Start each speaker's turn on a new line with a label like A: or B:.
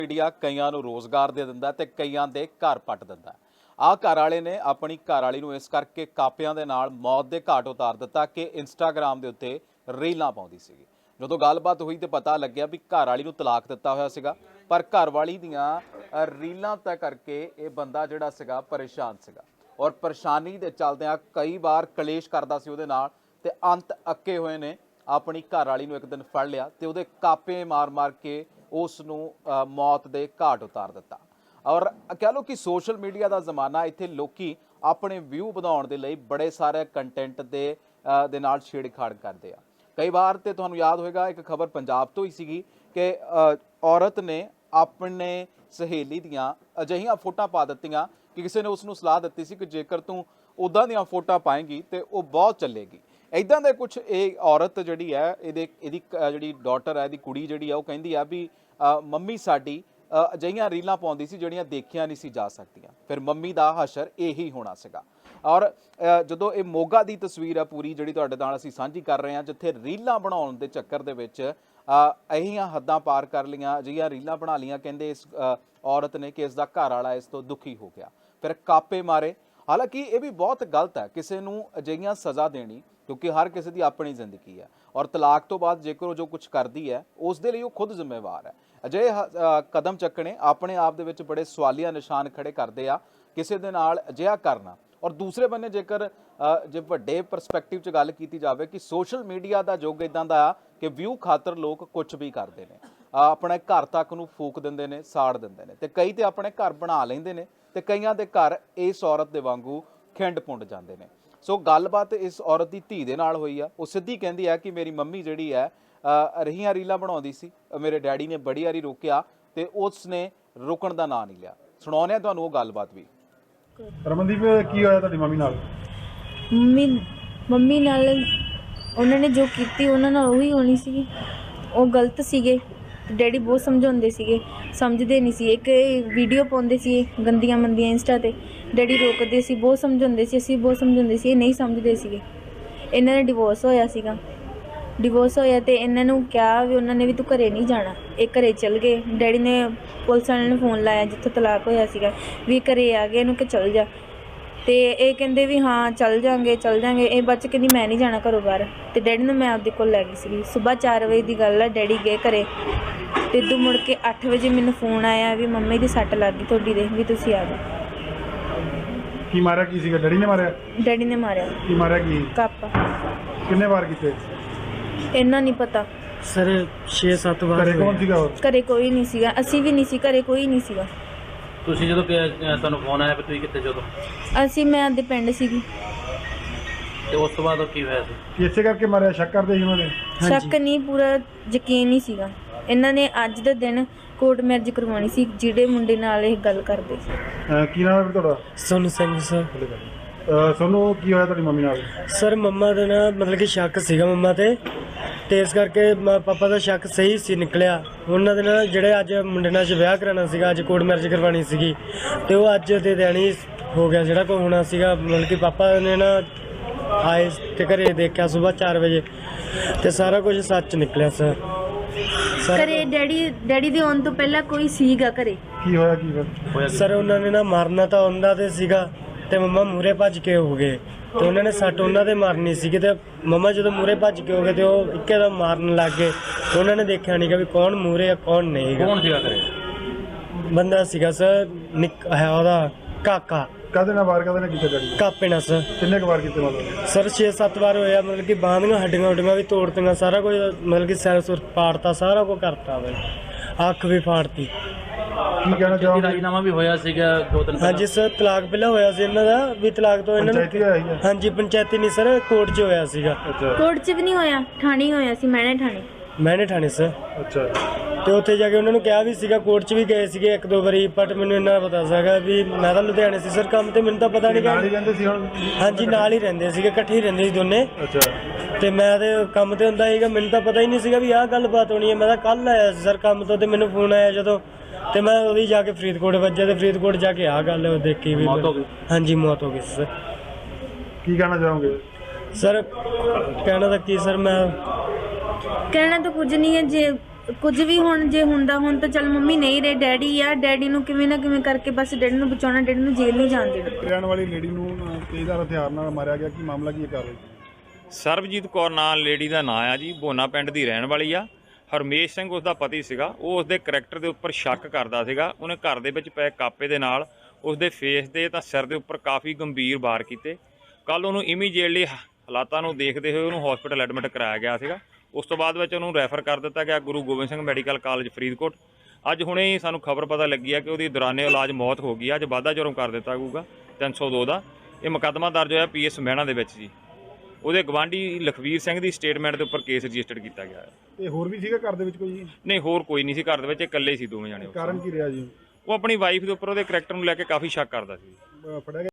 A: Media कईयां नूं रोज़गार दे दिंदा ते कईयां दे घर पट दिंदा। आ घर वाले ने अपनी घरवाली नूं इस करके कापियां दे नाल मौत दे घाट उतार दिता कि इंस्टाग्राम दे उत्ते रीलां पाउंदी सीगी। जदों गलबात हुई तो पता लग्या भी घरवाली नूं तलाक दिता होया सीगा, पर घरवाली दियां रीलां तय करके ये बंदा जिहड़ा सीगा परेशान सीगा और परेशानी दे चलदिआं कई बार कलेश करदा सी उहदे नाल ते अंत अक्के होए ने अपनी घरवाली नूं एक दिन फड़ लिया ते उहदे कापे मार मार के उस नूं मौत दे घाट उतार दिता। और कह लो कि सोशल मीडिया का जमाना इत्थे लोकी अपने व्यू वधाउण दे लई बड़े सारे कंटेंट दे नाल छेड़छाड़ करदे आ। कई बार तो तुहानूं याद होएगा एक खबर पंजाब तो ही सीगी कि औरत ने अपने सहेली दियां अजिहियां फोटां पा दित्तियां कि किसी ने उसनूं सलाह दित्ती सी कि जेकर तूं उदां दियां फोटां पाएंगी तो वो बहुत चलेगी। इदां दे कुछ ये औरत जिहड़ी है इहदी जिहड़ी डॉटर है, इहदी कुड़ी जिहड़ी है, वो कहिंदी आ भी मम्मी साडी अजिहियां रीलां पाउंदी सी ਜਿਹੜੀਆਂ देखियां नहीं सी जा सकदियां। फिर मम्मी दा हशर यही होना सीगा। और ਜਦੋਂ ਇਹ ਮੋਗਾ ਦੀ ਤਸਵੀਰ ਹੈ ਪੂਰੀ ਜਿਹੜੀ ਤੁਹਾਡੇ ਨਾਲ ਅਸੀਂ ਸਾਂਝੀ ਕਰ ਰਹੇ ਹਾਂ, ਜਿੱਥੇ ਰੀਲਾਂ ਬਣਾਉਣ ਦੇ ਚੱਕਰ ਦੇ ਵਿੱਚ ਇਹੀਆਂ ਹੱਦਾਂ ਪਾਰ ਕਰ ਲੀਆਂ, ਅਜਿਹੀਆਂ ਰੀਲਾਂ ਬਣਾ ਲੀਆਂ ਕਹਿੰਦੇ ਇਸ ਔਰਤ ਨੇ ਕਿ ਇਸ ਦਾ ਘਰ ਵਾਲਾ ਇਸ ਤੋਂ ਦੁਖੀ ਹੋ ਗਿਆ, ਫਿਰ ਕਾਪੇ ਮਾਰੇ। ਹਾਲਾਂਕਿ ਇਹ ਵੀ ਬਹੁਤ ਗਲਤ ਹੈ ਕਿਸੇ ਨੂੰ ਅਜਿਹੀਆਂ ਸਜ਼ਾ ਦੇਣੀ, ਕਿਉਂਕਿ ਹਰ ਕਿਸੇ ਦੀ ਆਪਣੀ ਜ਼ਿੰਦਗੀ ਹੈ ਔਰ ਤਲਾਕ ਤੋਂ ਬਾਅਦ ਜੇਕਰ ਉਹ ਜੋ ਕੁਝ ਕਰਦੀ ਹੈ ਉਸ ਦੇ ਲਈ ਉਹ ਖੁਦ ਜ਼ਿੰਮੇਵਾਰ ਹੈ। ਅਜਿਹੇ ਕਦਮ ਚੱਕਣੇ ਆਪਣੇ ਆਪ ਦੇ ਵਿੱਚ ਬੜੇ ਸਵਾਲੀਆ ਨਿਸ਼ਾਨ ਖੜੇ ਕਰਦੇ ਆ ਕਿਸੇ ਦੇ ਨਾਲ ਅਜਿਹਾ ਕਰਨਾ। और दूसरे बन्ने जेकर जे वड्डे परस्पैक्टिव च गल कीती जावे कि सोशल मीडिया का युग इदां दा आ कि व्यू खातर लोग कुछ भी करते हैं, अपने घर तक नूं फूक दिंदे ने, साड़ दिंदे ने, ते कई ते अपने घर बना लैंदे ने ते कईयां दे घर इस औरत दे वांगू खिंड पुंड जांदे ने। सो गलबात इस औरत की धी दे नाल होई आ। वो सिद्धी कहंदी है कि मेरी मम्मी जिहड़ी है रहीआं रीलां बनाउंदी सी, मेरे डैडी ने बड़ी वारी रोकिया ते उसने रुकण दा नां नहीं लिया। सुणाउने आ तुहानूं वो गलबात भी।
B: ਰਮਨਦੀਪ ਕੀ ਹੋਇਆ ਤੁਹਾਡੀ ਮੰਮੀ ਨਾਲ?
C: ਮੰਮੀ ਨਾਲ ਉਹਨਾਂ ਨੇ ਜੋ ਕੀਤੀ ਉਹਨਾਂ ਨਾਲ ਉਹੀ ਹੋਣੀ ਸੀਗੀ। ਉਹ ਗਲਤ ਸੀਗੇ, ਡੈਡੀ ਬਹੁਤ ਸਮਝਾਉਂਦੇ ਸੀਗੇ, ਸਮਝਦੇ ਨਹੀਂ ਸੀ। ਇੱਕ ਵੀਡੀਓ ਪਾਉਂਦੇ ਸੀ ਗੰਦੀਆਂ ਮੰਦੀਆਂ ਇੰਸਟਾ 'ਤੇ, ਡੈਡੀ ਰੋਕਦੇ ਸੀ, ਬਹੁਤ ਸਮਝਾਉਂਦੇ ਸੀ, ਅਸੀਂ ਬਹੁਤ ਸਮਝਾਉਂਦੇ ਸੀ, ਇਹ ਨਹੀਂ ਸਮਝਦੇ ਸੀਗੇ। ਇਹਨਾਂ ਦਾ ਡਿਵੋਰਸ ਹੋਇਆ ਸੀਗਾ, ਡਿਵੋਰਸ ਹੋਇਆ ਤੇ ਇਹਨਾਂ ਨੂੰ ਕਿਹਾ ਵੀ ਉਹਨਾਂ ਨੇ ਵੀ ਤੂੰ ਘਰੇ ਨਹੀਂ ਜਾਣਾ। ਇਹ ਘਰੇ ਚਲ ਗਏ। ਡੈਡੀ ਨੇ ਪੁਲਿਸ ਵਾਲਿਆਂ ਨੂੰ ਫੋਨ ਲਾਇਆ ਜਿੱਥੋਂ ਤਲਾਕ ਹੋਇਆ ਸੀਗਾ ਵੀ ਘਰੇ ਆ ਗਏ, ਇਹਨੂੰ ਕਿ ਚਲ ਜਾ। ਤੇ ਇਹ ਕਹਿੰਦੇ ਵੀ ਹਾਂ ਚੱਲ ਜਾਂਗੇ ਚੱਲ ਜਾਂਗੇ। ਇਹ ਬੱਚ ਕਹਿੰਦੀ ਮੈਂ ਨਹੀਂ ਜਾਣਾ ਘਰੋਂ ਬਾਹਰ। ਤੇ ਡੈਡੀ ਨੂੰ ਮੈਂ ਆਪਦੇ ਕੋਲ ਲੈ ਗਈ ਸੀਗੀ। ਸੁਬਾਹ 4 ਵਜੇ ਦੀ ਗੱਲ ਆ, ਡੈਡੀ ਗਏ ਘਰੇ ਤੇ ਇੱਦੋਂ ਮੁੜ ਕੇ 8 ਵਜੇ ਮੈਨੂੰ ਫੋਨ ਆਇਆ ਵੀ ਮੰਮੀ ਦੀ ਸੱਟ ਲੱਗ ਗਈ ਤੁਹਾਡੀ ਦੇ, ਵੀ ਤੁਸੀਂ ਆ ਜਾਓ।
B: ਕੀ ਮਾਰਿਆ? ਕੀ ਸੀਗਾ? ਡੈਡੀ ਨੇ ਮਾਰਿਆ?
C: ਡੈਡੀ ਨੇ ਮਾਰਿਆ।
B: ਕੀ ਮਾਰਿਆ? ਕੀ
C: ਕਾਪਾ।
B: ਕਿੰਨੇ ਵਾਰ ਕੀਤੇ?
C: ਇੰਨਾ ਨਹੀਂ ਪਤਾ
D: ਸਰ 6-7 ਵਾਰ।
B: ਘਰੇ ਕੌਣ ਸੀਗਾ?
C: ਘਰੇ ਕੋਈ ਨਹੀਂ ਸੀਗਾ, ਅਸੀਂ ਵੀ ਨਹੀਂ ਸੀ ਘਰੇ, ਕੋਈ ਨਹੀਂ ਸੀਗਾ।
D: ਤੁਸੀਂ ਜਦੋਂ ਤੁਹਾਨੂੰ ਫੋਨ ਆਇਆ ਵੀ ਤੁਸੀਂ ਕਿੱਥੇ ਜਦੋਂ?
C: ਮੈਂ ਆਪਦੇ ਪਿੰਡ ਸੀਗੀ।
D: ਤੇ ਉਸ ਤੋਂ ਬਾਅਦ ਕੀ ਹੋਇਆ ਸੀ?
B: ਕੀ ਇਸੇ ਕਰਕੇ ਮਾਰਿਆ? ਸ਼ੱਕ ਕਰਦੇ ਸੀ ਉਹਨਾਂ ਨੇ?
C: ਸ਼ੱਕ ਨਹੀਂ, ਪੂਰਾ ਯਕੀਨ ਨਹੀਂ ਸੀਗਾ। ਇਹਨਾਂ ਨੇ ਅੱਜ ਦੇ ਦਿਨ ਕੋਰਟ ਮੈਰਿਜ ਕਰਵਾਉਣੀ ਸੀ ਜਿਹੜੇ ਮੁੰਡੇ ਨਾਲ ਇਹ ਗੱਲ ਕਰਦੇ ਸੀ।
B: ਕੀ ਨਾਮ ਹੈ ਤੁਹਾਡਾ?
D: ਸੋਨੂ ਸਿੰਘ ਸਰ।
B: ਸੋਨੂੰ ਕੀ ਹੋਇਆ ਤੁਹਾਡੀ ਮੰਮੀ ਨਾਲ?
D: ਸਰ ਮੰਮਾ ਦਾ ਨਾ ਮਤਲਬ ਕਿ ਸ਼ੱਕ ਸੀਗਾ ਮੰਮਾ ਤੇ ਇਸ ਕਰਕੇ ਪਾਪਾ ਦਾ ਸ਼ੱਕ ਸਹੀ ਸੀ ਨਿਕਲਿਆ। ਉਹਨਾਂ ਦੇ ਨਾਲ ਜਿਹੜੇ ਅੱਜ ਮੁੰਡੇ ਨਾਲ ਵਿਆਹ ਕਰਾਉਣਾ ਸੀਗਾ, ਅੱਜ ਕੋਰਟ ਮੈਰਿਜ ਕਰਵਾਉਣੀ ਸੀਗੀ ਤੇ ਉਹ ਅੱਜ ਦੇ ਦਿਨ ਹੀ ਹੋ ਗਿਆ ਜਿਹੜਾ ਕੋ ਹੋਣਾ ਸੀਗਾ। ਮਤਲਬ ਕਿ ਪਾਪਾ ਨੇ ਨਾ ਆਏ ਤੇ ਘਰੇ ਦੇਖਿਆ ਸੁਬਾਹ 4 ਵਜੇ ਤੇ ਸਾਰਾ ਕੁਝ ਸੱਚ ਨਿਕਲਿਆ ਸਰ।
C: ਘਰੇ ਡੈਡੀ ਦੇ ਆਉਣ ਤੋਂ ਪਹਿਲਾਂ ਕੋਈ ਸੀਗਾ ਘਰੇ?
B: ਕੀ ਹੋਇਆ? ਕੀ ਹੋਇਆ
D: ਸਰ ਉਹਨਾਂ ਨੇ ਨਾ ਮਾਰਨਾ ਤਾਂ ਉਹਨਾਂ ਤੇ ਸੀਗਾ ਤੇ ਮੰਮਾ ਮੂਹਰੇ ਭੱਜ ਕੇ ਹੋ ਗਏ ਤੇ ਉਹਨਾਂ ਨੇ ਸੱਟ ਉਹਨਾਂ ਦੇ ਮਾਰਨੀ ਸੀਗੀ ਤੇ ਮੰਮਾ ਜਦੋਂ ਮੂਹਰੇ ਭੱਜ ਕੇ ਹੋ ਗਏ ਤੇ ਉਹ ਇੱਕਦਮ ਮਾਰਨ ਲੱਗ ਗਏ। ਉਹਨਾਂ ਨੇ ਦੇਖਿਆ ਨਹੀਂ ਕਿ ਵੀ ਕੌਣ ਮੂਹਰੇ ਆ ਕੌਣ ਨਹੀਂ।
A: ਕੌਣ ਸੀਗਾ ਘਰੇ?
D: ਬੰਦਾ ਸੀਗਾ ਸਰ ਹੈ ਉਹਦਾ ਕਾਕਾ।
B: ਕਾਹਦੇ ਨਾਲ ਵਾਰ? ਕਾਹਦੇ ਨਾਲ ਕੀਤੇ ਡੈਡੀ?
D: ਕਾਪੇ ਨਾਲ ਸਰ।
B: ਕਿੰਨੇ ਕੁ ਵਾਰ ਕੀਤੇ ਮਤਲਬ?
D: ਸਰ 6-7 ਵਾਰ ਹੋਇਆ। ਮਤਲਬ ਕਿ ਬਾਹਾਂ ਦੀਆਂ ਹੱਡੀਆਂ ਹੁੱਡੀਆਂ ਵੀ ਤੋੜਤੀਆਂ, ਸਾਰਾ ਕੁਝ ਮਤਲਬ ਕਿ ਸਿਰ ਸੁਰ ਪਾੜਤਾ, ਸਾਰਾ ਕੁਝ ਕਰਤਾ ਵੇ, ਅੱਖ ਵੀ ਫਾੜਤੀ।
B: ਕੀ ਕਹਿਣਾ ਚਾਹੋਗੇ?
D: ਰਾਜੀਨਾਮਾ ਵੀ ਹੋਇਆ ਸੀਗਾ 2 ਦਿਨ। ਹਾਂਜੀ ਸਰ ਤਲਾਕ ਪਹਿਲਾਂ ਹੋਇਆ ਸੀ ਇਹਨਾਂ ਦਾ ਵੀ, ਤਲਾਕ ਤੋਂ ਇਹਨਾਂ
B: ਪੰਚਾਇਤੀ ਹੋਇਆ ਸੀ?
D: ਹਾਂਜੀ ਪੰਚਾਇਤੀ ਨਹੀਂ ਸਰ, ਕੋਰਟ 'ਚ ਹੋਇਆ ਸੀਗਾ।
B: ਅੱਛਾ।
C: ਕੋਰਟ 'ਚ ਵੀ ਨਹੀਂ ਹੋਇਆ, ਥਾਣੇ ਹੋਇਆ ਸੀ, ਮੈਨੇ ਥਾਣੇ ਸਰ।
B: ਅੱਛਾ।
D: ਤੇ ਉੱਥੇ ਜਾ ਕੇ ਉਹਨਾਂ ਨੂੰ ਕਿਹਾ ਵੀ ਸੀਗਾ, ਕੋਰਟ 'ਚ ਵੀ ਗਏ ਸੀਗੇ 1-2 ਵਾਰੀ, ਬਟ ਮੈਨੂੰ ਇੰਨਾ ਪਤਾ ਸੀਗਾ ਵੀ ਮੈਂ ਤਾਂ ਲੁਧਿਆਣੇ ਸੀ ਸਰ ਕੰਮ ਤੇ, ਮੈਨੂੰ ਤਾਂ ਪਤਾ ਨਹੀਂ।
B: ਨਾਲ ਹੀ ਰਹਿੰਦੇ ਸੀ ਹੁਣ?
D: ਹਾਂਜੀ ਨਾਲ ਹੀ ਰਹਿੰਦੇ ਸੀਗੇ, ਇਕੱਠੇ ਹੀ ਰਹਿੰਦੇ ਸੀ ਦੋਨੇ।
B: ਅੱਛਾ।
D: ਤੇ ਮੈਂ ਤੇ ਕੰਮ ਤੇ ਹੁੰਦਾ ਸੀਗਾ, ਮੈਨੂੰ ਤਾਂ ਪਤਾ ਹੀ ਨਹੀਂ ਸੀਗਾ ਵੀ ਆਹ ਗੱਲਬਾਤ ਹੋਣੀ ਹੈ। ਮੈਂ ਤਾਂ ਕੱਲ ਆਇਆ ਸੀ ਸਰ ਕੰਮ ਤੋਂ ਤੇ ਮੈਨੂੰ ਫੋਨ ਆਇਆ ਜਦੋਂ, ਤੇ ਮੈਂ ਉਹਦੀ ਜਾ ਕੇ ਫਰੀਦਕੋਟ ਵੱਜਿਆ ਤੇ ਫਰੀਦਕੋਟ ਜਾ ਕੇ ਆਹ ਗੱਲ ਦੇਖੀ ਵੀ ਮੌਤ ਹੋ ਗਈ। ਹਾਂਜੀ ਮੌਤ ਹੋ ਗਈ ਸਰ।
B: ਕੀ ਕਹਿਣਾ ਚਾਹੋਗੇ
D: ਸਰ? ਕਹਿਣਾ ਤਾਂ ਕੀ ਸਰ, ਮੈਂ
C: ਕਹਿਣਾ ਤਾਂ ਕੁਝ ਨਹੀਂ ਹੈ। ਜੇ ਕੁਝ ਵੀ ਹੁਣ ਜੇ ਹੁੰਦਾ ਹੁਣ ਤਾਂ ਚੱਲ ਮੰਮੀ ਨਹੀਂ ਰਹੇ, ਡੈਡੀ ਆ, ਡੈਡੀ ਨੂੰ ਕਿਵੇਂ ਨਾ ਕਿਵੇਂ ਕਰਕੇ ਬਸ ਡੈਡੀ ਨੂੰ ਬਚਾਉਣਾ, ਡੈਡੀ ਨੂੰ ਜੇਲ੍ਹ ਨਹੀਂ ਜਾਣ ਦੇਣਾ।
B: ਰਹਿਣ ਵਾਲੀ ਲੇਡੀ ਨੂੰ ਤੇਜ਼ਧਾਰ ਹਥਿਆਰ ਨਾਲ ਮਾਰਿਆ ਗਿਆ, ਕੀ ਮਾਮਲਾ ਕੀ ਹੈ ਕਾਰਵਾਈ?
E: ਸਰਬਜੀਤ ਕੌਰ ਨਾਂ ਲੇਡੀ ਦਾ ਨਾਂ ਆ ਜੀ, ਬੋਨਾ ਪਿੰਡ ਦੀ ਰਹਿਣ ਵਾਲੀ ਆ। ਹਰਮੇਸ਼ ਸਿੰਘ ਉਸ ਦਾ ਪਤੀ ਸੀਗਾ, ਉਹ ਉਸ ਦੇ ਕਰੈਕਟਰ ਦੇ ਉੱਪਰ ਸ਼ੱਕ ਕਰਦਾ ਸੀਗਾ। ਉਹਨੇ ਘਰ ਦੇ ਵਿੱਚ ਪਏ ਕਾਪੇ ਦੇ ਨਾਲ ਉਸ ਦੇ ਫੇਸ ਦੇ ਤਾਂ ਸਿਰ ਦੇ ਉੱਪਰ ਕਾਫੀ ਗੰਭੀਰ ਵਾਰ ਕੀਤੇ। ਕੱਲ ਉਹਨੂੰ ਇਮੀਡੀਏਟਲੀ ਹਾਲਾਤਾਂ ਨੂੰ ਦੇਖਦੇ ਹੋਏ ਉਹਨੂੰ ਹਸਪੀਟਲ ਐਡਮਿਟ ਕਰਾਇਆ ਗਿਆ ਸੀਗਾ। ਉਸ ਤੋਂ ਬਾਅਦ ਵਿੱਚ ਉਹਨੂੰ ਰੈਫਰ ਕਰ ਦਿੱਤਾ ਗਿਆ ਗੁਰੂ ਗੋਬਿੰਦ ਸਿੰਘ ਮੈਡੀਕਲ ਕਾਲਜ ਫਰੀਦਕੋਟ। ਅੱਜ ਹੁਣੇ ਹੀ ਸਾਨੂੰ ਖਬਰ ਪਤਾ ਲੱਗੀ ਆ ਕਿ ਉਹਦੀ ਦੌਰਾਨੇ ਇਲਾਜ ਮੌਤ ਹੋ ਗਈ ਆ। ਅੱਜ ਵਾਧਾ ਜੁਰਮ ਕਰ ਦਿੱਤਾ ਜਾਊਗਾ 302 ਦਾ। ਇਹ ਮੁਕੱਦਮਾ ਦਰਜ ਹੋਇਆ ਪੀਐਸ ਮਹਿਣਾ ਦੇ ਵਿੱਚ ਜੀ। ਉਹਦੇ ਗਵਾਂਢੀ ਲਖਵੀਰ ਸਿੰਘ ਦੀ ਸਟੇਟਮੈਂਟ ਦੇ ਉੱਪਰ ਕੇਸ ਰਜਿਸਟਰਡ ਕੀਤਾ ਗਿਆ ਹੈ।
B: ਤੇ ਹੋਰ ਵੀ ਸੀਗਾ ਘਰ ਦੇ ਵਿੱਚ ਕੋਈ?
E: ਨਹੀਂ, ਹੋਰ ਕੋਈ ਨਹੀਂ ਸੀ ਘਰ ਦੇ ਵਿੱਚ, ਇਕੱਲੇ ਸੀ ਦੋਵੇਂ ਜਾਣੇ।
B: ਕਾਰਨ ਕੀ ਰਿਹਾ ਜੀ?
E: ਉਹ ਆਪਣੀ ਵਾਈਫ ਦੇ ਉੱਪਰ ਉਹਦੇ ਕਰੈਕਟਰ ਨੂੰ ਲੈ ਕੇ ਕਾਫੀ ਸ਼ੱਕ ਕਰਦਾ ਸੀ।
B: ਫੜਿਆ ਗਿਆ?